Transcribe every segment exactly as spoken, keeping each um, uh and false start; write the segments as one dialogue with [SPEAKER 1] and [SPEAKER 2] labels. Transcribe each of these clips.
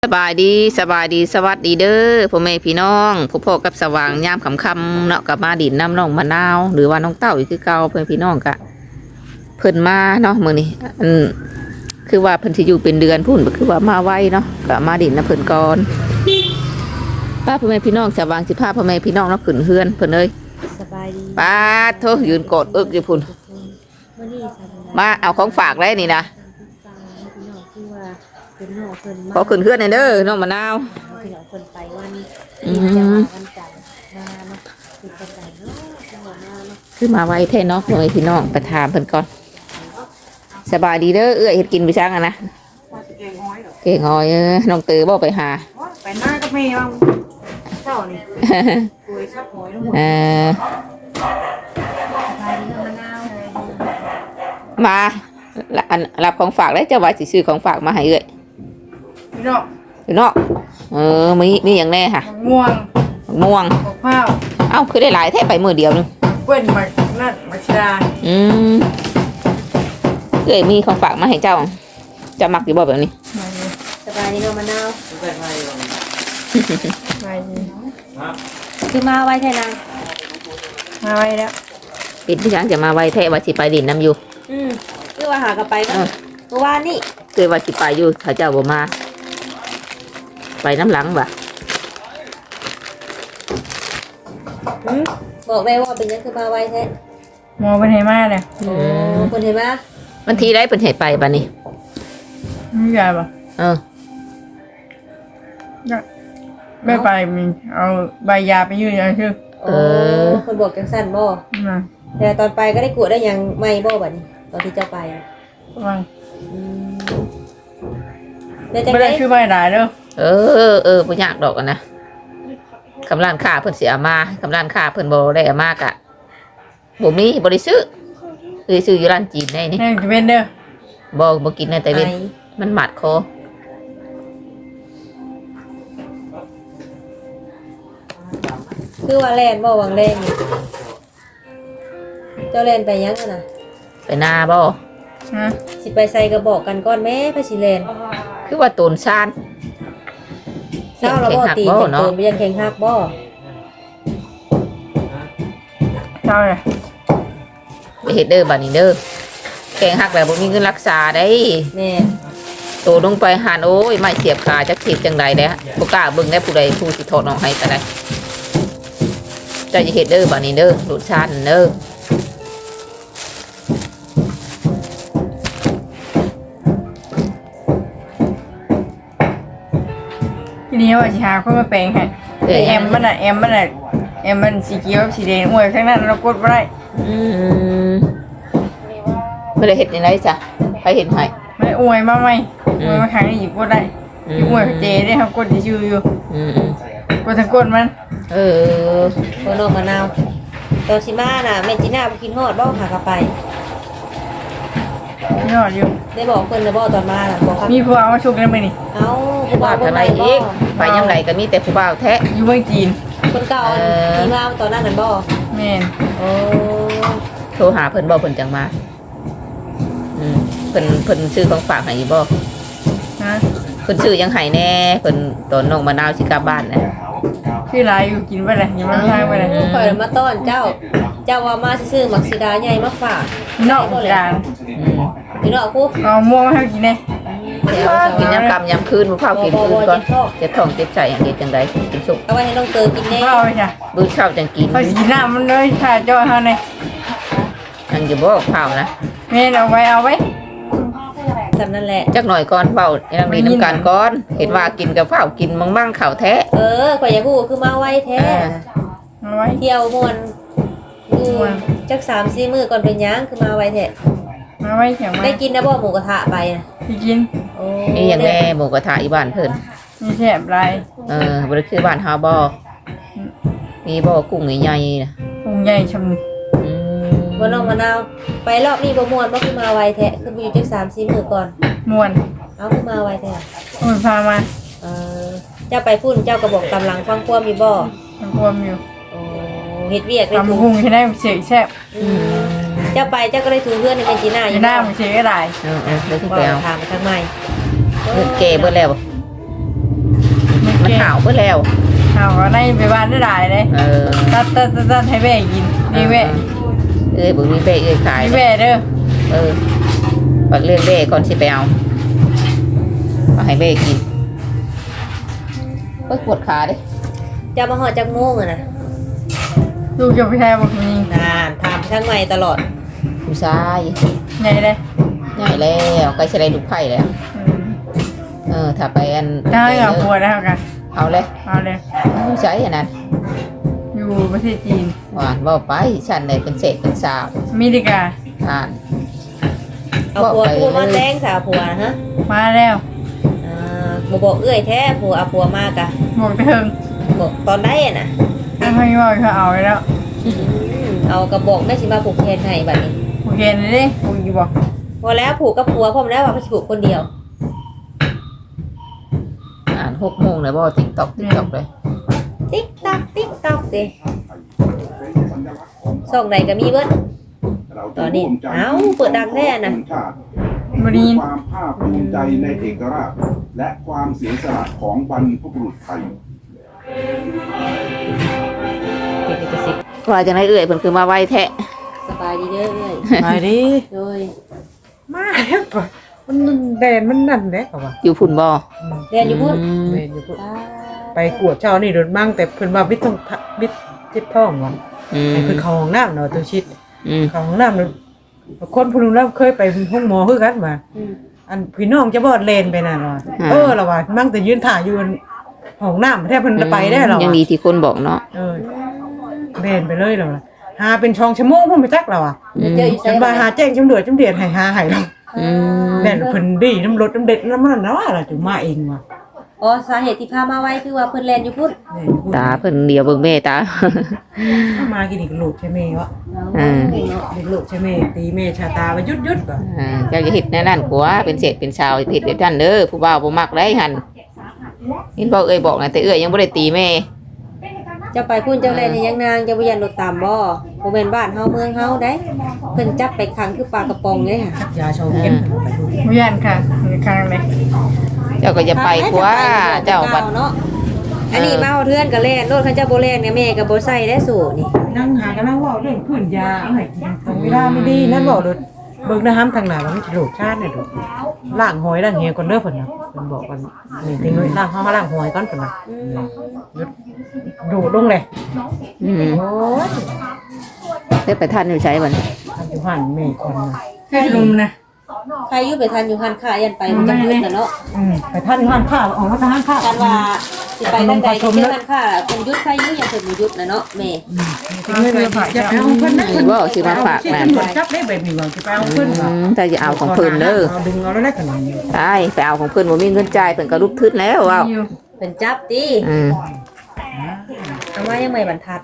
[SPEAKER 1] สบายดีสบายดีสวัสดีเด้อพ่อแม่พี่น้องพ่อพ่อกับสว่างยามค่ำๆเนาะกับมาดินน้ำน้องมะนาวหรือว่าน้องเต้าอีกคือเก่าเพื่อนพี่น้องกะเพิ่นมาเนาะมื้อนี้อันคือว่าเพิ่นสิอยู่เป็นเดือนพุ่นก็คือว่ามาไวเนาะก็มาดินน้ำเพิ่นก่อนป้าพ่อแม่พี่น้องสว่างสิพาพ่อแม่พี่น้องเนาะขึ้นเฮือนเพิ่นเอ้ย
[SPEAKER 2] สบายดี
[SPEAKER 1] ป้าโทยืนกอดอึกอยู่พุ่น
[SPEAKER 2] วันนี้สบาย
[SPEAKER 1] มาเอาของฝากได้นี่นะ
[SPEAKER 2] ตาพี่น้องคือว่าเป็นน้องเพิ่นมา
[SPEAKER 1] ขอขึ้นเฮือนหน่อยเด้อน้องมะนาว
[SPEAKER 2] พี่น้องเพิ่นไปวัน
[SPEAKER 1] อืม
[SPEAKER 2] ที่จะมาวันจันทร์มาเนาะคือจังไดเนาะจังหวะมาเนาะ
[SPEAKER 1] คือมาไวแท้เนาะพ่อแม่พี่น้องไปถามเพิ่นก่อนสบายดีเด้อเอื้อยเฮ็ดกินไปช่างอะนะ
[SPEAKER 3] เก่งห้อยดอก
[SPEAKER 1] เก่งหอยเออน้องตือบอกไปหา
[SPEAKER 3] ไปหน้าก็มีบ้างเจ้านี่คุยชักหอยทั้งหมด
[SPEAKER 1] เออ
[SPEAKER 2] สบายดีเนาะมะนาว
[SPEAKER 1] มาละอันรับของฝากได้เจ้าว่าสิซื้อของฝากมาให้เอ้ย
[SPEAKER 3] พี่น้อง
[SPEAKER 1] อยู่เนาะเออมีมีอย่างแน่ค่ะ
[SPEAKER 3] มะม่วง
[SPEAKER 1] มะม่วง
[SPEAKER 3] มะพร้าว
[SPEAKER 1] เอ้าคือได้หลายแท้ไปมือเดียวนึง
[SPEAKER 3] เปิ้ลมะนั่นมะชดา
[SPEAKER 1] อืมเอ้ยมีของฝากมาให้เจ้าจะมักอยู่บ่แบบนี้
[SPEAKER 2] สบายดีเนาะมะนาว
[SPEAKER 3] ไป
[SPEAKER 2] คือมาไว้แท้นาง
[SPEAKER 3] มาไว้แล้ว
[SPEAKER 1] ปิดพี่ช้างจะมาไวแท้ว่าสิไปดินน้ำอยู่
[SPEAKER 2] อืมคือว่าหากลับไป
[SPEAKER 1] เอ
[SPEAKER 2] เนาะ
[SPEAKER 1] อ
[SPEAKER 2] เมื่อวานนี่
[SPEAKER 1] เคยว่าสิไปอยู่ถ้าเจ้าบ่มา ไปน้ำหลังบ่ะ
[SPEAKER 2] หืมบอกได้ว่าเป็นหยังคือมาไว้แท้
[SPEAKER 3] มองไปไหนมาเลย
[SPEAKER 2] โอ้เพิ่นเห็นบ่
[SPEAKER 1] วันที่ได้เพิ่นให้ไปบัดนี้
[SPEAKER 3] ไม่ใหญ่ปะ
[SPEAKER 1] เออ
[SPEAKER 3] ไม่ไปมีเอาใบยาไปยืนยันชื่อ
[SPEAKER 2] โอ้เพิ่นบอกจังซั่นบ่
[SPEAKER 3] มา
[SPEAKER 2] แต่ตอนไปก็ได้กวดได้หยังใหม่บ่บัดนี้ตอนที่เจ้าไปอะ
[SPEAKER 3] วัง
[SPEAKER 2] อืมแล้วจัง
[SPEAKER 3] ไม่
[SPEAKER 2] ได๋
[SPEAKER 3] ได้ชื่อใบหลายเด้อ
[SPEAKER 1] เออเออบ่ยากดอกอะนะคำร้านค้าเพิ่นสิเอามาคำร้านค้าเพิ่นบ่ได้เอามากะบ่มีบ่ได้ซื้อคือซื้ออยู่ร้านจีนได้นี่
[SPEAKER 3] แม่งจะเป็นเด้อ
[SPEAKER 1] บ่บ่กินในแต่เว้น
[SPEAKER 2] ไอ
[SPEAKER 1] มันหมัดคอ
[SPEAKER 2] คือว่าแล่นบ่วังแล่นนี่เจ้าแล่นไปยังอะน่ะ
[SPEAKER 1] ไปหน้าบ่
[SPEAKER 3] ฮะ
[SPEAKER 2] สิไปใส่กระบอกกันก่อนแม่พระสิแล่น
[SPEAKER 1] คือว่าโตนซาน
[SPEAKER 2] เช้าเราบ่ตี
[SPEAKER 1] บ่
[SPEAKER 2] เห็น
[SPEAKER 1] เนาะ
[SPEAKER 2] เตินไปยังแข่งฮักบ่
[SPEAKER 3] เจ้าเลย
[SPEAKER 1] ไปเฮ็ดเด้อบัดนี้เด้อแกงหักแล้วบ่มีเงินรักษาได้
[SPEAKER 2] แม่
[SPEAKER 1] โตลงไปหานโอ้ยไม่เสียบขาจักเสียบจังใดเด้อบ่กล้าเบิ่งได้ผู้ใดผู้สิถอดออกให้ก็ได้เจ้าจะเฮ็ดเด้อบัดนี้เด้อโตนซานเด้อ
[SPEAKER 3] ทีนี้ว่าจะหาคนมาแปลงให้
[SPEAKER 1] เอ้ย
[SPEAKER 3] แอมมันอ่ะแอมมันอ่ะแอมมันสีเขียวสีแดงอวยข้างนั้นเรากดไม่ได้
[SPEAKER 1] อืมบ่ได้เฮ็ดจังไดจ้ะใครเฮ็ดให้
[SPEAKER 3] ไม่ได้อวยมาไหมอวยมาครั้งนี้หยิบกดได้
[SPEAKER 1] อื
[SPEAKER 3] อยู่อวยเจได้ครับกดชื่ออยู่
[SPEAKER 1] อืมอืม
[SPEAKER 3] กดทั้งกดมัน
[SPEAKER 1] เออ
[SPEAKER 2] บ่น้องมะนาวตอนสิมาน่ะแม่จีน่าบ่กินฮอดบ่หากลับไป
[SPEAKER 3] ยอดอยู่
[SPEAKER 2] ได้บอกเพิ่นแล้วบ่ตอนมาน่ะบอกครับ
[SPEAKER 3] มีผู้เอามาชุกได้ไหมนี่
[SPEAKER 2] เอ้าผู้บ่า
[SPEAKER 1] ว่าว
[SPEAKER 2] บ่
[SPEAKER 1] ทำไม
[SPEAKER 2] มาบ่
[SPEAKER 1] อีกไปยังไงก็มีแต่ผู้บ่าวแท้
[SPEAKER 3] อยู่เมืองจีน
[SPEAKER 2] คนเก่าอัน
[SPEAKER 1] เออ
[SPEAKER 2] ที่มาตอนนั้นนั่นบ่
[SPEAKER 3] แม่น
[SPEAKER 2] โอ้
[SPEAKER 1] โทรหาเพิ่นบ่เพิ่นจังมาอืมเพิ่นเพิ่นซื้อของฝากให้อยู่บ่
[SPEAKER 3] ฮะ
[SPEAKER 1] เพิ่นซื้อยังให้แน่เพิ่นตอนน้องมะนาวสิกลับบ้านนะ
[SPEAKER 3] ชื่อลายอยู่กินไปเลยอย่ามาทางไปเลย
[SPEAKER 2] ข่อยมาต้อนเจ้า เจ้าว่ามาซื่อๆมักสิดาใหญ่มาฝาก
[SPEAKER 3] นอกกลาง
[SPEAKER 1] อืม
[SPEAKER 2] พี่น้องกู
[SPEAKER 3] เอาม่วงมาให้กินเลย
[SPEAKER 1] เดี๋ยวกินยามค่ำยามคืนบ่พากินคืนก่อนเจ็บท้องเจ็บใจอย่างเฮ็ดจังไดกินสุก
[SPEAKER 2] เอาไว้ให้น้องเตยกินแน่
[SPEAKER 3] เอาไปจ้ะ
[SPEAKER 1] มื้อเช้าจังกิน
[SPEAKER 3] เขาสีน้ำมันเลยถ่ายจอเขาเนี่ย
[SPEAKER 1] อังอยู่บ่ข้าวนะ
[SPEAKER 3] แม่นเอาไว้เอาไว้
[SPEAKER 2] สำนั่นแหละ
[SPEAKER 1] จักหน่อยก่อนเว้าให้นางมีน้ำกันก่อนเห็นว่ากินกับข้าวกินมั่งๆข้าวแท้
[SPEAKER 2] เออข่อยอยากฮู้คือมาไว้แท้
[SPEAKER 3] เอาไว้
[SPEAKER 2] เที่ยวม่วนอยู่จักสามสี่มื้อก่อนเป็นหยังคือมาไว้แท้
[SPEAKER 3] เอาไว้เขียงไว้
[SPEAKER 2] ได้กินนะบ่หมูกระทะไปน่ะ
[SPEAKER 3] พี่กิน
[SPEAKER 2] โอ้
[SPEAKER 1] นี่อย่างแน่หมูกระทะอีบ้านเพิ่น
[SPEAKER 3] มีแฉบลาย
[SPEAKER 1] เออบ่ได้คือบ้านเฮาบ่มีบ่กุ้งใหญ่ๆน่ะ
[SPEAKER 3] พุงใหญ่ชม
[SPEAKER 1] อืม
[SPEAKER 2] บ่น้องมะนาวไปรอบนี้บ่ม่วนบ่คือมาไว้แท้คืออยู่จักสามสี่มื้อก่อน
[SPEAKER 3] มวน
[SPEAKER 2] เอาคือมาไว้แท้
[SPEAKER 3] มันพามา
[SPEAKER 2] เออเจ้าไปพุ่นเจ้าก็บอกตำหลังฟังความมีบ่
[SPEAKER 3] มันกลัวมอยู่
[SPEAKER 2] โอ้เฮ็ดเวียกได้
[SPEAKER 3] ทำ
[SPEAKER 2] ถูก
[SPEAKER 3] พุงให้ได้เสียแฉบ
[SPEAKER 2] อืมเจ้าไปเจ้าก็ได้ถูเพื่อนในเป็นจีน่าอ
[SPEAKER 3] จะ
[SPEAKER 2] ยู่
[SPEAKER 3] หน้ามันเสียก็ได้
[SPEAKER 1] เออเออเดี๋ยวที่
[SPEAKER 2] บ่
[SPEAKER 1] ไปเอา
[SPEAKER 2] ถามไปทางใหม่
[SPEAKER 1] เงินเกเบิดแล้วบ่
[SPEAKER 3] ย
[SPEAKER 1] เบิดแล้ว
[SPEAKER 3] เอาก็ในไปบ้านได้หลายเลย
[SPEAKER 1] เออ
[SPEAKER 3] ตัดตัดตัดตัดให้แม่กินนี่แม่
[SPEAKER 1] เอ้ยบุญมีเบ้เอ้ยขาย
[SPEAKER 3] นี่แม่เด้อ
[SPEAKER 1] เออปัดเรื่องเบ้ก่อนสิไปเอาเอาให้เบ้กินเฮ้ยปวดขาดิ
[SPEAKER 2] จะมาหอดจากโมงอะนะ
[SPEAKER 3] ลูกจะไปแทนบอกมี
[SPEAKER 2] นานถามทั้งใหม่ตลอด
[SPEAKER 1] ผู้ชาย
[SPEAKER 3] ใหญ่เลย
[SPEAKER 1] ใหญ่แล้วใกล้จะได้ลูกไผ่แล้ว เออถ้าไปอัน
[SPEAKER 3] ได้กับปวดแล้วกัน
[SPEAKER 1] เอาเลย
[SPEAKER 3] เอาเลย
[SPEAKER 1] ผู้ชายอย่างนั้น
[SPEAKER 3] อยู่ประเทศจีน
[SPEAKER 1] หวานว่าไปฉันเลยเป็นเศษเป็นสาว
[SPEAKER 3] มิดิกา
[SPEAKER 1] อ่าน
[SPEAKER 2] เอาผัวผัวมาแจ้งสาวผัวฮะ
[SPEAKER 3] มาแล้ว
[SPEAKER 2] อ่าบ่บอกเอื้อยแท้ผัวเอาผัวมากะ
[SPEAKER 3] บอกเถิง
[SPEAKER 2] บอกตอนได้อะนะ
[SPEAKER 3] ถ้าไม่บอกเขาเอาไปแล้ว
[SPEAKER 2] อืมเอากระบอกได้สิมาผูกแขนให้บัดนี้
[SPEAKER 3] โอเคนี่ดิผูกอยู่บอก
[SPEAKER 2] พอแล้วผูกกับผัวพร้อมแล้วว่าเขาสิผูกคนเดียว
[SPEAKER 1] อ่านหกโมงเลยบ่ติ๊กตอกติ๊กตอกเลย
[SPEAKER 2] ติ๊กตักติ๊กตักเด้ส่องไหนก็มีเบิดตอนนี้เอ้าเปิดดังแท้น่ะ
[SPEAKER 3] บรีน
[SPEAKER 4] ความภาคภูมิใจในเอกราชและความเสียสละของบรรพบุรุษไทย
[SPEAKER 2] เป็นลิขสิทธิ์
[SPEAKER 1] ว่าจังไรเอ่ยเพิ่นคือมาไวแทะ
[SPEAKER 2] สบายดีเด้อเอ้ย
[SPEAKER 3] มาดิ
[SPEAKER 2] โดย
[SPEAKER 3] มาแล้วปะมันแดนมันนั่นแหละป่ะ
[SPEAKER 1] อยู่พุ่นบ่
[SPEAKER 2] เรียนอยู่พุ่น
[SPEAKER 1] อืม
[SPEAKER 3] แม่นอยู่พุ่นไปกวดเช้านี่โดนมั่งแต่เพิ่นว่าบิดต้องบิดเจ็บท้องว่ะ
[SPEAKER 1] อืม
[SPEAKER 3] ให้เพิ่นเข้าห้องน้ำเนาะตัวชิด
[SPEAKER 1] อืม
[SPEAKER 3] เข้าห้องน้ำแล้วคนผู้นึงแล้วเคยไปห้องหมอคือกันมา
[SPEAKER 2] อืม
[SPEAKER 3] อันพี่น้องจะบอดเลนไปน่ะว่าเออละว่ามั่งแต่ยืนถ่ายอยู่ห้องน้ำแทบเพิ่นจะไปได้หรอ
[SPEAKER 1] ยังดีที่คนบอกเนาะ
[SPEAKER 3] เออเลนไปเลยแล้วล่ะหาเป็นช่องชั่วโมงพุ่นไปจักแล้วอ่ะ
[SPEAKER 2] เดี๋ยวเจออยู่
[SPEAKER 3] จน
[SPEAKER 2] ไส
[SPEAKER 3] มาหาแจ้งจำเดือดจำเดือดให้หาให้เรา
[SPEAKER 1] อืม
[SPEAKER 3] แม่นเพิ่นดีน้ำรถน้ำเด็ดน้ำมันนะว่าล่ะถึงมาเองว่ะ
[SPEAKER 2] อ๋อสาเหตุที่พามาไว้คือว่าเพิ่นเรียนอยู่พุ่น
[SPEAKER 3] แม่
[SPEAKER 1] ตาเพิ่นเดียวเบิ่งแม่ตา
[SPEAKER 3] มากินอีกลูกใช่ไหมวะ
[SPEAKER 1] อืม
[SPEAKER 3] เด็กลูกใช่ไหมตีแม่ชาตาว่ายุดยุดว่ะ
[SPEAKER 1] อ่าเจ้าจะเฮ็ดแน่นั่นผัวเป็นเศษเป็นชาวเฮ็ดแบบนั้นเด้อผู้บ่าวบ่มักได้หั่นเห็นบ่เอ้ยบอกนะแต่เอ้ยยังบ่ได้ตีแม่
[SPEAKER 2] เจะไปพุ่นเจ้าเรียนยังนางเจะบ่ยันรถตามบ่บ่แม่นบ้านเฮาเมืองเฮาได้เพิ่นจับไปขังคือปลากระป๋องเลยค่ะ
[SPEAKER 3] ชักยาโชว์เข้มไปดู
[SPEAKER 5] เวียนค่ะมีครั้งเลย
[SPEAKER 1] เจ้าก็จะไปผัวเจ้าบัด
[SPEAKER 2] เนาะอันนี้มาเอาเทือนก็แล่นรถเขาเจ้าบ่แล่นเนี่ยแม่ก็บ่ใส่ได้สู่นี่
[SPEAKER 3] นั่งหากันนั่งว่าเรื่องพื้นยาเอาให้กินตรงเวลาไม่ดีนั่นบอกเลยเบิ่งนะฮัมทางหน้าว่ามันสิโลกชาติเนี่ยดูล้างหอยล้างเหียก่อนเด้อเพิ่นน่ะเพิ่นบอกว่านี่ถึงเลยล้างเฮาล้างหอยก่อนเพิ่นน่ะ
[SPEAKER 2] อืม
[SPEAKER 3] ดูดลงเลย
[SPEAKER 1] อืม
[SPEAKER 3] โอ้ย
[SPEAKER 1] ได้ไปทันอยู่ใช้บัดนี้
[SPEAKER 3] ทำอยู่หันแม่คนน่ะ
[SPEAKER 5] แค่ลุมนะ
[SPEAKER 2] ใครอยู่ไปทันอยู่หันค่ายันไปมันจะมืดน่ะเนาะ
[SPEAKER 3] อืมไปท่านหันข้าวออกมาทางหันข้าว
[SPEAKER 2] กันว่าสิไปทางใดก็เจอหันค่าเพิ่นหยุดใครอยู่อย่างเพิ่นบ่หยุดน่ะเนาะแม่
[SPEAKER 3] ถึงเงินเลยจะไปเอาเพิ่นนะ
[SPEAKER 1] นี่บ่สิมาฝาก
[SPEAKER 3] นะ
[SPEAKER 1] นะ
[SPEAKER 3] จับได้แบบนี้ว่าจะไปเอาเพิ่น
[SPEAKER 1] อื
[SPEAKER 3] ว่ะ
[SPEAKER 1] มถ้าจะเอาของเพิ่นเด้อ
[SPEAKER 3] เอาดึงเอาแล้วได้ขนาดนี้
[SPEAKER 1] ใช่ไปเอาของเพิ่นบ่มีเงินจ่ายเพิ่นก็ลุกทึดแล้วว้าว
[SPEAKER 5] อยู่
[SPEAKER 2] เพิ่นจับติ
[SPEAKER 1] อืม
[SPEAKER 2] เอามายังไม่บรรทัด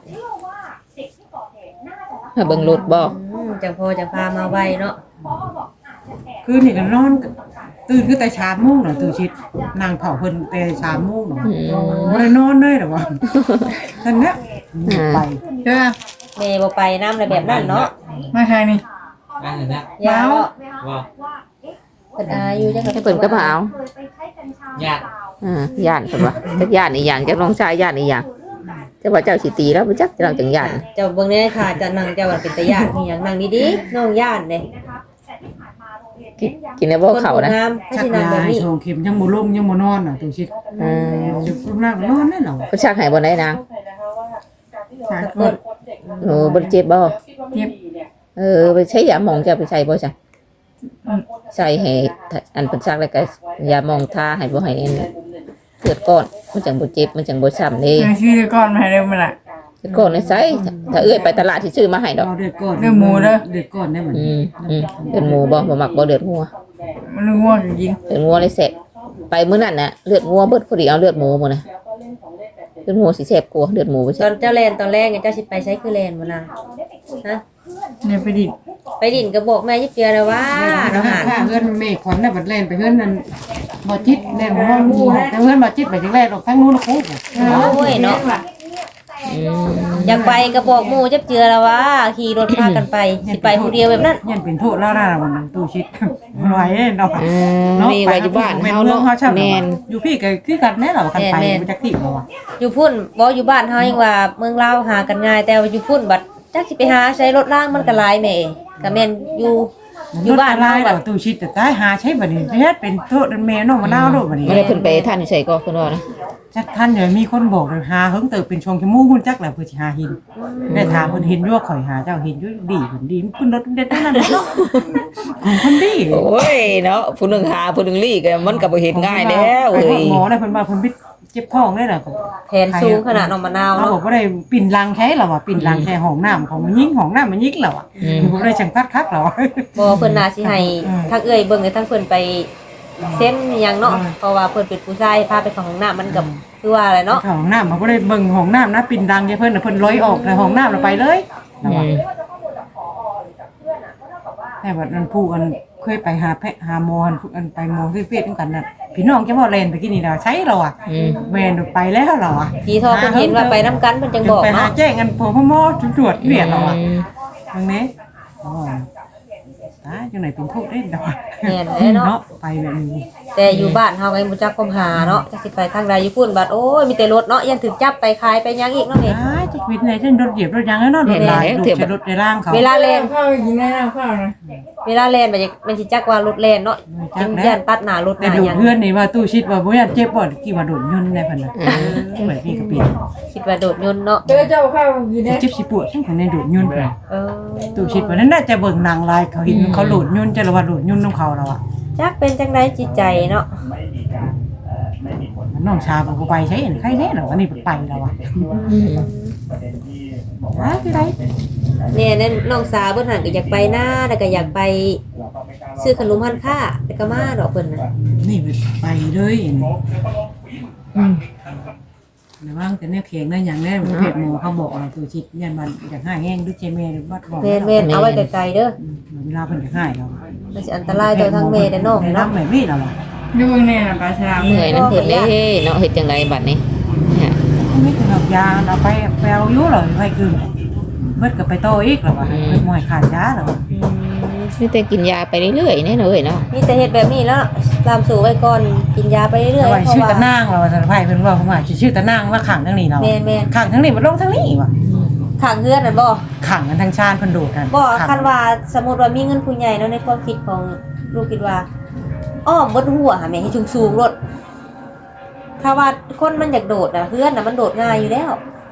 [SPEAKER 1] ถ้าเบิ่งรถบ่
[SPEAKER 2] อืมจังพอจังพามาไว้เนาะ
[SPEAKER 3] คือนี่ก็นอนตื่นคือแต่เช้าโมงน่ะตื่นชิดนางเผาเพิ่นแต่เช้าโมงน่ะ
[SPEAKER 1] อืม
[SPEAKER 3] บ่ได้นอนเลยหรอวะท่านเนี้ยไป
[SPEAKER 5] เด้อ
[SPEAKER 2] แม่บ่ไปนำอะไรแบบนั้นเนาะ
[SPEAKER 5] มาทางนี้
[SPEAKER 6] บ้านไหนนะ
[SPEAKER 2] ยาว
[SPEAKER 6] ว่า
[SPEAKER 2] เพิ่นอายุจัง
[SPEAKER 1] ให้เพิ่นก็มาเอา
[SPEAKER 6] ญาติ
[SPEAKER 1] อ่าย่านเพิ่นว่าจักย่านอีหยังจักน้องชายย่านอีหยังแต่ว่าเจ้าสิตีแล้วบ่จักเจ้าจังย่าน
[SPEAKER 2] เจ้าเบิ่งแน่ค่ะจะนั่งเจ้าว่าเป็นตาย่านอีหยังนั่งดีๆน้องย่านเด้
[SPEAKER 1] กินกินแล้วบ่เข้านะ
[SPEAKER 2] งามให้
[SPEAKER 3] ชั
[SPEAKER 2] สิ
[SPEAKER 3] ก
[SPEAKER 2] นั่ง
[SPEAKER 3] ยา
[SPEAKER 2] แบบ
[SPEAKER 3] ให้
[SPEAKER 2] นี้
[SPEAKER 3] โชว์เข็มยังบ่ลงยังบ่นอนน่ะตื่นชิด
[SPEAKER 1] อืม
[SPEAKER 3] จะพุ่งนั่งนอนได้หรอ
[SPEAKER 1] เพิ่นชักให้บ่ได้นาง
[SPEAKER 5] สาม
[SPEAKER 2] สัก
[SPEAKER 5] ค
[SPEAKER 2] คน น
[SPEAKER 1] โอ้บ่เจ็บบ่
[SPEAKER 5] เจ็บ
[SPEAKER 1] เออไปใช้ยาหมองจะไปใส่บ่จ้ะใส่ให้อันเพิ่นชักแล้วก็ยาหมองทาให้บ่ให้อันเกิดก้อนมันจังบ่เจ็บมันจังบ่ช้ำเด้
[SPEAKER 5] เดี๋ยวชื่อก่อนมาให้เร็วมาละ
[SPEAKER 1] เกิดก้อนในไสถ้าเอื้อยไปตลาดที่ซื้อมาให้ดอก
[SPEAKER 3] เอาเดือดก่อน
[SPEAKER 5] เดือดหมูเด้อ
[SPEAKER 3] เดือดก่อนได้เหมือน
[SPEAKER 1] อืมอืมเลือดหมูบ่บ่มักบ่เลือดงัว
[SPEAKER 5] มันรู้ว่าจริง
[SPEAKER 1] เลือดงัวเลยแซ่บไปมื้อนั้นน่ะเลือดงัวเบิดพอดีเอาเลือดหมูหมดน่ะเลือดหมูสิแซ่บกว่าเลือดหมูบ่
[SPEAKER 2] ต
[SPEAKER 1] ใช่
[SPEAKER 2] อนเจ้าแลนตอนแรกเนี่ยเจ้าสิไปใช้คือแลนบ่ล่ะฮะ
[SPEAKER 5] เนี่ยไปดิ
[SPEAKER 2] ไปดินก็บอกแม่ยิบเปียเลยว่า
[SPEAKER 3] เรา
[SPEAKER 2] อา
[SPEAKER 3] หา
[SPEAKER 2] หาร
[SPEAKER 3] ค่าเงินเมฆขวัญน่ะบัดเล่นไปเงินนั่นบ่จิตเล่นบ่ฮู้แต่เงินบ่จิตไปจังแรกออกทั้งนู้นละกู
[SPEAKER 2] โอ้ยเนาะ
[SPEAKER 1] อืม
[SPEAKER 2] อยากไปก็บอกหมู่จับเจือแล้วว่าขี่รถพากันไปสิไปผู้เดียวแบบนั้น
[SPEAKER 3] ยันเป็นโทษแล้วนะวันนั้นตู้ชิดไหวเนาะ
[SPEAKER 1] เออมีไว้อยู่บ้านเฮาเนาะแม่น
[SPEAKER 3] อยู่พี่ก็คือกันแน่เหรอกันไปมันจักที่บ่วะ
[SPEAKER 2] อยู่พุ่นบ่อยู่บ้านเฮายังว่าเมืองลาวหากันง่ายแต่ว่าอยู่พุ่นบัดจักสิไปหาใช้รถล่างมันก็หลายแม่ก็แม่นอยู่อยู่บ้าน
[SPEAKER 3] ลา
[SPEAKER 2] เฮาย
[SPEAKER 3] เรา
[SPEAKER 2] บัด
[SPEAKER 3] ตู้ชิดแต่ตายหาใช้บัดนี้เฮ็ดเป็นโทษแม่น้องมะนาวโดดบัดนี้
[SPEAKER 1] บ่ได้เพิ่นไปท่านอยู่ไสก็เพิ่นว่านะ
[SPEAKER 3] จักท่านเดี๋ยวมีคนบอกเลยหาเฮิงเติบเป็นชงขี้มูกหุ่นจักแหละเพื่อสิหาหินได้ถามเพิ่นเห็นอยู่ว่าข่อยหาเจ้าเห็นอยู่ดีเพิ่นดีเพิ่นรถเด็ดนั่นเนาะของคนดี
[SPEAKER 1] โอ้ยเนาะผู้หนึงหาผู้หนึงลี่ก็มันก็บ่เฮ็ดง่ายแล้วเอ้ย
[SPEAKER 3] หมอได้เพิ่นว่าเพิ่นบิดเจ็บท้องได้ล่ะ
[SPEAKER 2] แผนสูงขนาดน้องมะนาว
[SPEAKER 3] เขา
[SPEAKER 2] เนาะ
[SPEAKER 3] บอกว่าได้ปิ่นรังแค่เราอ่ะปิ่นรังแค่ห้องน้ำของมันยิ่งห้องน้ำมันยิ่งเราอ่ะผมได้จังพัดคักเรา
[SPEAKER 2] บ่เพิ่นน่าสิให้
[SPEAKER 3] อืม
[SPEAKER 2] ทางเอื้อยเบิ่งให้ทางเพิ่นไปเซ็นอิหยังเนาะ
[SPEAKER 3] อืม
[SPEAKER 2] เพราะว่าเพิ่นเป็นผู้ชายพาไปเข้าห้องน้ำมันก็คือว่าอะไรเนาะ
[SPEAKER 3] ห้องน้ำมันก็ได้เบิ่งห้องน้ำนะปิ่นรังแค่เพิ่นน่ะเพิ่นร้อยออกในห้องน้ำเราไปเลยเรา
[SPEAKER 1] อื
[SPEAKER 3] อ่ะ
[SPEAKER 1] ม
[SPEAKER 3] แต่ว่านั้นผู้อันเคยไปหาแพะหาหมออันอันไปหมอที่เฟซด้วยกันน่ะพี่น้องจะบอกเลนไปกินนี่เราใช้เราอ่ะ
[SPEAKER 1] อืม
[SPEAKER 3] แม่นไปแล้วเราอ่ะ
[SPEAKER 2] พี่ทอเพิ่นเห็นว่าไปนํกันเพิ่นจังบอก
[SPEAKER 3] ไปหา
[SPEAKER 2] เนาะ
[SPEAKER 3] แจ้งกันพอพ่อหมอตรวจเวียนเราอ่ะตรงนี้อ๋อตาจังไหนเป็นทุกข์ได้ดอก
[SPEAKER 2] แม่นแหละเนาะ
[SPEAKER 3] เนาะไปแบบนี้
[SPEAKER 2] แต่อยู่บ้านเฮาก็ยังบ่จักความหาเนาะจักสิไปทางใดอยู่พุ่นบัดโอ้ยมีแต่รถเนาะยังถึกจับไปขายไปหยังอีกเนาะแม่
[SPEAKER 3] อ้ายจะวิตไหนเช่นรถเหยียบรถยางแล้วเนาะรถลายรถใช้รถในร่างเขา
[SPEAKER 2] เวลาแล่น
[SPEAKER 5] ข้าวกินได้แล้วข้าวนะ
[SPEAKER 2] เวลาแล่นมันจะมันสิจักว่ารถแล่นเนาะจังย่านตัดหน้ารถห
[SPEAKER 3] แต่
[SPEAKER 2] น้า
[SPEAKER 3] ดู
[SPEAKER 2] หยัง
[SPEAKER 3] เพื่อนนี่ว่าตู้ชิดว่าบ่อยากเจ็บบ่กี่ว่าโดนยนต์ในพันน่ะเหมือนพี่ก็เป็น
[SPEAKER 2] คิดว่าโดดยนต์เนาะ
[SPEAKER 5] เจอเจ้าข้าวกินได้
[SPEAKER 3] เจ็บสิปวดทั้งคนในโดนยนต์
[SPEAKER 2] เออ
[SPEAKER 3] ตู้ชิดว่านั้นน่าจะเบิ่งนางลายเขาเห็นเขาโดดยนต์จะระว่าโดดยนต์ของเขาแล้วอ่ะ
[SPEAKER 2] จักเป็นจังไดจิตใจเนาะ
[SPEAKER 3] น้องชาบ่ไปใช้เห็นใครแน่หรอวันนี้ไปแล้วอ่ะ
[SPEAKER 1] อืม
[SPEAKER 3] อ้าคือไร
[SPEAKER 2] เนี่ยนั่นน้องสาวเพิ่นหั่นก็อยากไปหน้าแล้วก็อยากไปซื้อขนมฮั่นค่าแล้วก็มาดอกเพิ่นน่ะ
[SPEAKER 3] นี่ไปเลยอืมระวังแต่เนี่ยเขียงได้อย่างแน่เพจหมอเขาบอกว่าตู้ชิดยันมันอยากให้แห้งด้วยเจเมหรือว่าบอก
[SPEAKER 2] แม่นๆเอาไว้ไกลๆเด้อ
[SPEAKER 3] เวลาเพิ่นจะให้เรา
[SPEAKER 2] มันสิอันตรายต่อทั้งแม่และน้อง
[SPEAKER 3] ใน
[SPEAKER 2] เนาะ
[SPEAKER 3] น้ำแบบนี้เราอ่ะ
[SPEAKER 5] ดูเบิ่งแน่น่ะปลาฉลาม
[SPEAKER 1] เหนื่อยน้ำเฮ็ดเลยเนาะเฮ็ดจังไดบัดนี้เนี่ย
[SPEAKER 3] ไม่ถึงหอกยาเราไปไปเอาอยู่หรอไปคือเบิดกับไปโตอีกหรอวะเพิ่นมวยขาดยาหรอวะ
[SPEAKER 2] อืม
[SPEAKER 1] มีแต่กินยาไปเรื่อยๆแน่เนาะเอ้ยเนาะ
[SPEAKER 2] มีแต่เฮ็ดแบบนี้แล้วตามสู่ไว้ก่อนกินยาไปเรื่อยๆ
[SPEAKER 3] ไว้
[SPEAKER 2] เพราะ
[SPEAKER 3] ชื่อ
[SPEAKER 2] ว่า
[SPEAKER 3] ตะนางเราสารพัดเพิ่นว่าผมว่าชื่อตะนางว่าขังทั้งนี้เรา
[SPEAKER 2] แม่น
[SPEAKER 3] ขังทั้งนี้มันลงทั้งนี้ว่ะ
[SPEAKER 2] ข้างเฮือนนั่นบ่
[SPEAKER 3] ขังกันทั้งชาติเพิ่นโดดกัน
[SPEAKER 2] บ่คันว่าสมมุติว่ามีเงินผู้ใหญ่เนาะในความคิดของลูกคิดว่าอ้อมบนหัวหาแม่ให้สูงๆรถถ้าว่าคนมันอยากโดดน่ะเฮือนน่ะมันโดดง่ายอยู่แล้ว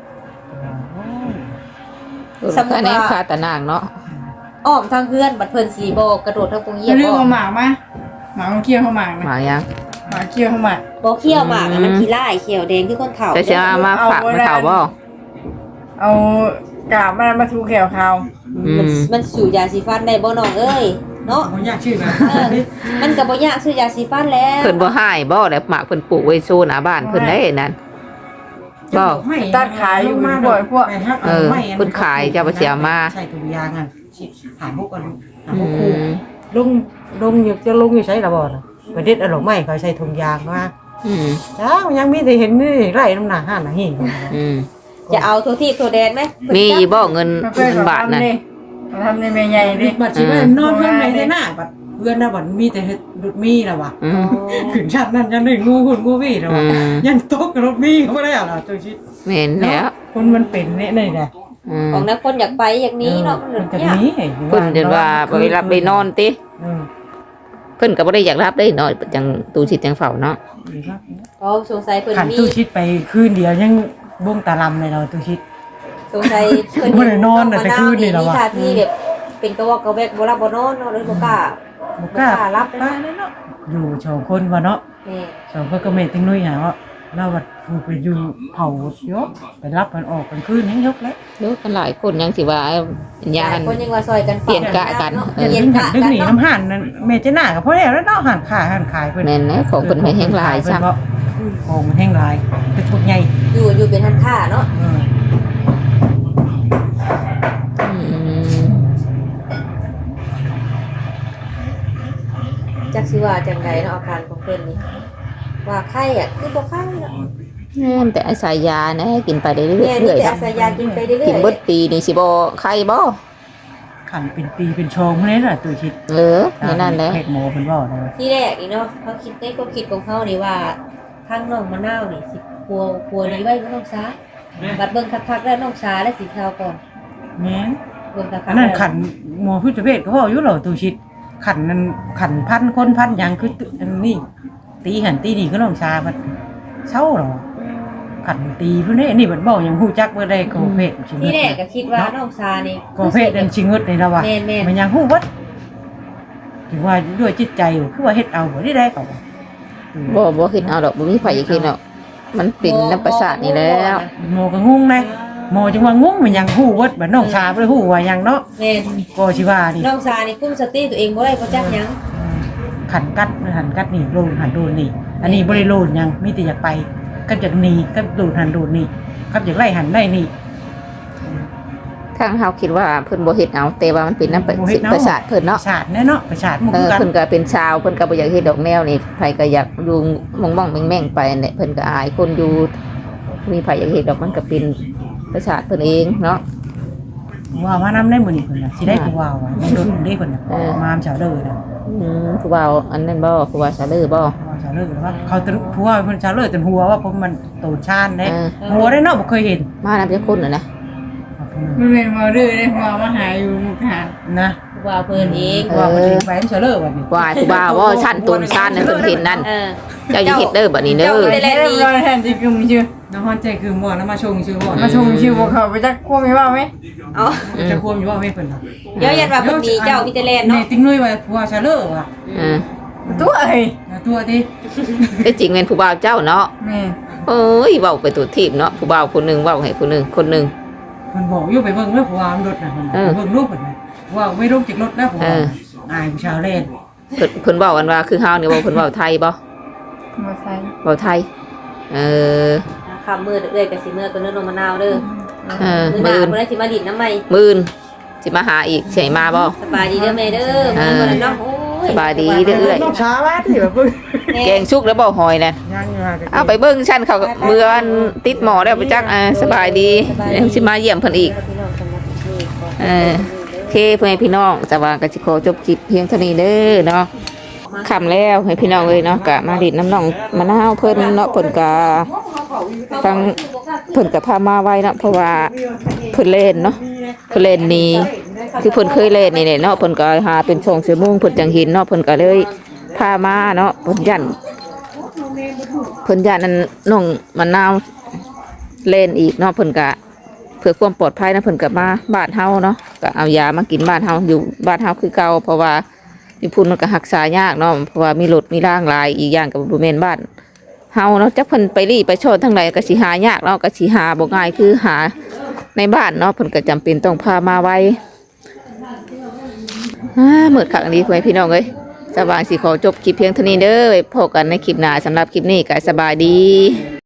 [SPEAKER 2] สมมุติว่า
[SPEAKER 1] อันนี้คาตะนางเนาะ
[SPEAKER 2] อ้อมทางเฮือนบัดเพิ่นสิบ่กระโดดทางปงเหยียบ
[SPEAKER 5] เรื่อง
[SPEAKER 2] บ่
[SPEAKER 5] เอาหมากมาหมากมันเคี่ยวเข้าหมาก
[SPEAKER 1] ห
[SPEAKER 5] นะ
[SPEAKER 1] มายัง
[SPEAKER 5] หมากเคี่ยวเข้าหมาก
[SPEAKER 2] บ่เขี้ยวหมากอะมันขี้ร้ายเขียวแดงคือคนเฒ่า
[SPEAKER 1] จะสิเอามาฝากมาเฒ่าบ่
[SPEAKER 5] เอากาบมันมาทูแขวเขา
[SPEAKER 1] อื
[SPEAKER 2] มัน
[SPEAKER 1] ม
[SPEAKER 2] มันสู่ยาสีฟันได้บ่น้องเอ้ยเนาะ
[SPEAKER 3] ผมอยากชื่อนะ
[SPEAKER 2] เออมันก็บ่ยากซื้อยาสีฟันแล้ว
[SPEAKER 1] เพิ่นบ่ให้บ่แล้วหมากเพิ่นปลูกไว้โซนหน้าบ้านเพิ่นได้นั่นบ่
[SPEAKER 5] ตัดขายอยู่บ่อยพวก
[SPEAKER 1] เออเพิ่นขายเจ้าบ่เสียมา
[SPEAKER 3] ใช่ตัวยางอ่ะถามพวกกันถาม
[SPEAKER 1] อื
[SPEAKER 3] พวกครู
[SPEAKER 1] ม
[SPEAKER 3] ลุงลุงอยู่จะลุงอยู่ใช้ระบ่น่ะประเด็ดอร่อยไหมเขาใช้ถุงยางมา
[SPEAKER 1] อืม
[SPEAKER 3] จ้ามันยังมีแต่เห็นนี่ไร่น้ำหนักห้าหนาหิน
[SPEAKER 1] อืม
[SPEAKER 2] จะเอาโทที่โทแดนไหม
[SPEAKER 1] มีอีบ่เงิน
[SPEAKER 5] มาเพื่อน
[SPEAKER 1] เงิน
[SPEAKER 5] เขา
[SPEAKER 1] บาทนั่น
[SPEAKER 5] ทำนี่เขาทำในเมย์ใหญ่ดิ
[SPEAKER 3] บัดชีว่านอนเพื่อนไม่ได้หน้าบัดเพื่อนนะบัดมีแต่เห็ดดุดมีแล้ววะ
[SPEAKER 1] อื
[SPEAKER 2] อ๋อ
[SPEAKER 1] ม
[SPEAKER 3] ขึ้นชั้นนั่นยันหนึ่งงูหุ่นงูวี่แล้ว
[SPEAKER 1] อื
[SPEAKER 3] วะ
[SPEAKER 1] ม
[SPEAKER 3] ยันโต๊ะกับรถมีเขาไม่ได้หรอตัวชิด
[SPEAKER 1] แม่นแล้ว
[SPEAKER 3] คนมันเป็นเนี่ยนี่แหละ
[SPEAKER 1] อืม
[SPEAKER 2] ของนักคนอยากไปอย่างนี้เนาะมัน
[SPEAKER 3] มันจะ
[SPEAKER 2] ยาก
[SPEAKER 3] นี้
[SPEAKER 1] เพิ่นจะว่าไปรับไปนอนติเพิ่นก็บ่ได้อยากรับได้เนาะจังตูชิดจังเฝ้าเนาะ
[SPEAKER 2] เพราะสงสัยเพิ่น
[SPEAKER 3] ขัน
[SPEAKER 2] มี
[SPEAKER 3] ตู้ชิดไปคืนเดียวยังบ้งตาลำเลยเราตู้ชิด
[SPEAKER 2] สงสัยเพิ่น
[SPEAKER 3] บ่ได้นอนน่ะแต่คืนนี่
[SPEAKER 2] นี่
[SPEAKER 3] แล้ว
[SPEAKER 2] มี
[SPEAKER 3] อะ
[SPEAKER 2] ท่าที่แบบเป็นกระวอกกระแวกบ่รับบ่นอนเนาะเลยบ่กล้า
[SPEAKER 3] บุกล้า
[SPEAKER 2] บ่กล้ารับ
[SPEAKER 3] ป้าเลยเนาะอยู่สองคนวะเนาะ
[SPEAKER 2] นี่
[SPEAKER 3] สองคนก็เมติ้งนุ้ยหาว่าเราบัดถูกไปอยู่เผายกไปรับมันออกกันคืนยังยกแล้ว
[SPEAKER 1] เยอะกันหลายคนยังสิว่า
[SPEAKER 2] ห
[SPEAKER 1] ยา
[SPEAKER 2] ลาย
[SPEAKER 1] น
[SPEAKER 2] คนยังว่าซอยกัน
[SPEAKER 1] เปลี่ยนกะกัน
[SPEAKER 2] เนาะ
[SPEAKER 1] เออ
[SPEAKER 2] เปลี่ยน
[SPEAKER 3] ดึงหั
[SPEAKER 2] กะ
[SPEAKER 3] นดึง
[SPEAKER 2] กัน
[SPEAKER 3] หนี
[SPEAKER 2] เนาะ
[SPEAKER 3] น้ำหันนั่นเมเจน่ากับพ่อแล้วแล้วเนาะหันขายหันขายเพิ่น
[SPEAKER 1] แม่นนะของเพิ่นไม่แห้งหลายซ้ำ
[SPEAKER 3] ของมันแห้งหลายเป็นพวกใหญ่
[SPEAKER 2] อยู่อยู่เป็นทันค่าเนาะ
[SPEAKER 3] เออ
[SPEAKER 1] อืม
[SPEAKER 2] จักสิว่าจังไดเนาะอาการของเพิ่นนี่ว่าไข้อ่ะคือบ่ไข้เนาะ
[SPEAKER 1] แม่นแต่อาศัยยานะกินไปเรื่อย
[SPEAKER 2] แม่
[SPEAKER 1] ๆ
[SPEAKER 2] นี่
[SPEAKER 1] เรื่อย
[SPEAKER 2] แต่
[SPEAKER 1] ๆ
[SPEAKER 2] อาศัยยากินไปเรื่อยๆ
[SPEAKER 1] กินเบิดปีนี่สิบ่ไข้บ่
[SPEAKER 3] ขันเป็นปีเป็นชองพวกนี้น่ะตัวคิด
[SPEAKER 1] เออในนั้นแหละ
[SPEAKER 3] เพศหมอเพิ่นเว้านะ
[SPEAKER 2] ที่แรกอีกเนาะเขาคิดในความคิดของเขานี่ว่าทางน้องมะนาวนี่สิกลัวกลัวดีไว้ก็น้องสาบัดเบิ่งคักๆแล้วน้องสาและสิเทาก่อน
[SPEAKER 3] แม่น
[SPEAKER 2] เบิ่งคักๆ
[SPEAKER 3] อันนั้นขันหมอพิจเวชก็เว้าอยู่เหรอตัวคิดขันนั้นขันพันคนพันหยังคือตึอันนี้ตีหันตีนี่ก็น้องชามันเศร้าเหรอขันตีพวกนี้นี่มันบอกยังฮู้จักบ่ได้ก็เพศชิง
[SPEAKER 2] ที่แรกก็คิดว่าน้องสานี่
[SPEAKER 3] ก็เพศนั่นชิงเงิดนี่แล้วว่ะ
[SPEAKER 2] แม่นๆ
[SPEAKER 3] มันยังฮู้วัดถึงว่าด้วยจิตใจอยู่คือว่าเฮ็ดเอาบ่ได้ได้ก็ว่า
[SPEAKER 1] บ่บ่คิดเอาดอกบ่มีไผอยากคิดหรอกมันเป็นน้ำประสาทนี่แล้ว
[SPEAKER 3] หมอก็งงนะหมอจังว่างงมันยังฮู้วัดบัดน้องชาบ่ได้ฮู้ว่าหยังเนาะ
[SPEAKER 2] แม่น
[SPEAKER 3] ก็สิว่านี่
[SPEAKER 2] น้องสานี่คุมสติตัวเองบ่ได้บ่จักหยัง
[SPEAKER 3] ขันกัดหันกัดนี่โลนหันโดนนี่ อันนี้บ่ได้โลนหยังมีแต่อยากไปกับอยากหนีกับโดนหันโดนนี่กับอยากไล่หันได้นี่
[SPEAKER 1] ทางเฮาคิดว่าเพิ่นบ่เฮ็ดเอาแต่ว่ามันเป็นน้ำประ
[SPEAKER 3] บ่เฮ็ดเอา
[SPEAKER 1] ประสาทเพิ่นเนาะ
[SPEAKER 3] ประสาทแน่เนาะประสาทหมู่
[SPEAKER 1] เอ
[SPEAKER 3] คือ
[SPEAKER 1] อ
[SPEAKER 3] กัน
[SPEAKER 1] เพิ่นก็เป็นชาวเพิ่นก็บ่อยากเฮ็ดดอกแนวนี่ไผก็อยากอยู่ม่องๆแม่งๆไปนั่นแหละเพิ่นก็อายคนอยู่มีไผอยากเฮ็ดดอกมันก็เป็นประสาทเพิ่นเองเนาะ
[SPEAKER 3] ว่าว่านำได้มื้อนี้เพิ่นน่ะสิได้ผู้ว่าว่ามันโดนได้เพิ่นน่ะ
[SPEAKER 1] เออ
[SPEAKER 3] มามชาวเด้อน่ะ
[SPEAKER 1] อืมผู้บ่าวอันนั้นบ่ผู้บ่าวสาเลอบ่
[SPEAKER 3] ว่าชาวเด้อว่าเขาตรึผู้ว่าเพิ่นชาวเด้อจนหัวว่าผมมันโตชานเด้
[SPEAKER 1] เออ
[SPEAKER 3] หัวได้เนาะบ่เคยเห็น
[SPEAKER 1] มานำจักคนน่ะนะ
[SPEAKER 5] มันเป็นหมอดื้อเลยหมอมาหาอยู่มุกหา
[SPEAKER 3] นะ
[SPEAKER 2] ว่าเพิ่นเอง
[SPEAKER 3] ว่ามันสิไปชาวเด้อว่านี่
[SPEAKER 1] วายผู้บ่าวบ่ชั้นตูนชั้นน่ะเพิ่นเห็นนั่น
[SPEAKER 2] เออ
[SPEAKER 1] เจ้าอย่าเฮ็ดเด้อบัดนี้เด้อ
[SPEAKER 5] ไปแล้วรอแทนที่กึมชื่อ
[SPEAKER 3] น้องฮอนใจคือบ่นำมาชงชื่อบ่
[SPEAKER 5] มาชงชื่อพวกเขาไปจักควบมีว่าไหม
[SPEAKER 2] เอา
[SPEAKER 3] จะควมอยู่บ่ให้เพิ่นน่ะ
[SPEAKER 2] เดี๋ยวยันว่าเพิ่นมีเจ้ามีแต่แลน
[SPEAKER 3] นี่
[SPEAKER 2] เนาะ
[SPEAKER 3] ติ้งนุ้ยว่าผู้ว่าชาวเด้อว่ะ
[SPEAKER 1] เออ
[SPEAKER 5] ตัวเอ้ย
[SPEAKER 3] นะตัวติ
[SPEAKER 1] แต่จริงเป็นผู้บ่าวเจ้าเนาะ
[SPEAKER 5] แม่
[SPEAKER 1] เอ้ยเว้าไปตัวทีบเนาะผู้บ่าวคนหนึงเว้าให้ผู้หนึงคนหนึง
[SPEAKER 3] เพิ่นบอกอยู่ไปเบิ่งเด้อผู้ว่ามันรถน่ะเพิ่น
[SPEAKER 1] เออ
[SPEAKER 3] เบิ่งรูปเพิ่นน่ะว่าไม่ลงจากรถนะผู้ว่า
[SPEAKER 1] เออ
[SPEAKER 3] อายผู้ชาวเล่น
[SPEAKER 1] เพิ่นเพิ่นเว้ากันว่าคือเฮานี่เว้าเพิ่นเว้าไทยบ่
[SPEAKER 5] มาใส่
[SPEAKER 1] เว้าไทยเออ
[SPEAKER 2] คำมือเอ้ยกับสิมือก็เนื้อนมมะนาวเด้อ
[SPEAKER 1] เออ
[SPEAKER 2] มือห
[SPEAKER 1] มื้
[SPEAKER 2] นา
[SPEAKER 1] อ
[SPEAKER 2] คนได้สิมาดิดน้ำใหม่
[SPEAKER 1] มื้อนสิมาหาอีกสิให้มาบ่
[SPEAKER 2] สบายดีเด้อแม่เด้อ
[SPEAKER 1] เออ
[SPEAKER 2] มื้อนั้นเนาะโอ้ย
[SPEAKER 1] สบายดีเด้อเอ้ย
[SPEAKER 3] ต้องช้าว่าที่แบบเบิ่ง
[SPEAKER 1] แกงชุกแล้วบ่หอยนั่น
[SPEAKER 3] ยังอยู่ห่างกัน
[SPEAKER 1] เอาไปเบิ่งชั้นเขาก็เบื่ออันติดหมอแล้วไปจักอ่าสบายดีเดี๋ยวสิมาเยี่ยมเพิ่นอีก
[SPEAKER 2] พี่น้องสำหรับนี่ขอ
[SPEAKER 1] เออโอเคเพื่อนพี่น้องจะวางกันสิขอจบคลิปเพียงเท่านี้เด้อเนาะคำแล้วให้พี่น้องเลยเนาะกะมาดิดน้ำน้องมะนาวเพิ่นเนาะเพิ่นกะฟังเพิ่นกะพามาไว้เนาะเพราะว่าเพิ่นเล่นเนาะเพิ่นเล่นนี่คือเพิ่นเคยเล่นนี่แหละเนาะเพิ่นก็หาเป็นช่องชั่วโมงเพิ่นจังเห็นเนาะเพิ่นก็เลยพามาเนาะเพิ่นยันเพิ่นยันนั่นน้องมะนาวเล่นอีกเนาะเพิ่นกะ เพื่อความปลอดภัยนะเพิ่นกับมาบ้านเฮาเนาะก็เอายามากินบ้านเฮาอยู่บ้านเฮาคือเก่าเพราะว่ามีพุ่นมันก็รักษายากเนาะเพราะว่ามีรถมีร่างหลายอีกอย่างกับบ่แม่นบ้านเฮาเนาะจักเพิ่นไปรีไปชดทั้งใดก็สิหายากเนาะก็สิหาบ่ง่ายคือหาในบ้านเนาะเพิ่นก็จำเป็นต้องพามาไว้อ่ามืดคักอันนี้พ่อแม่พี่น้องเอ้ยสว่างสิขอจบคลิปเพียงเท่านี้เด้อไว้พบกันในคลิปหน้าสำหรับคลิปนี้ก็สบายดี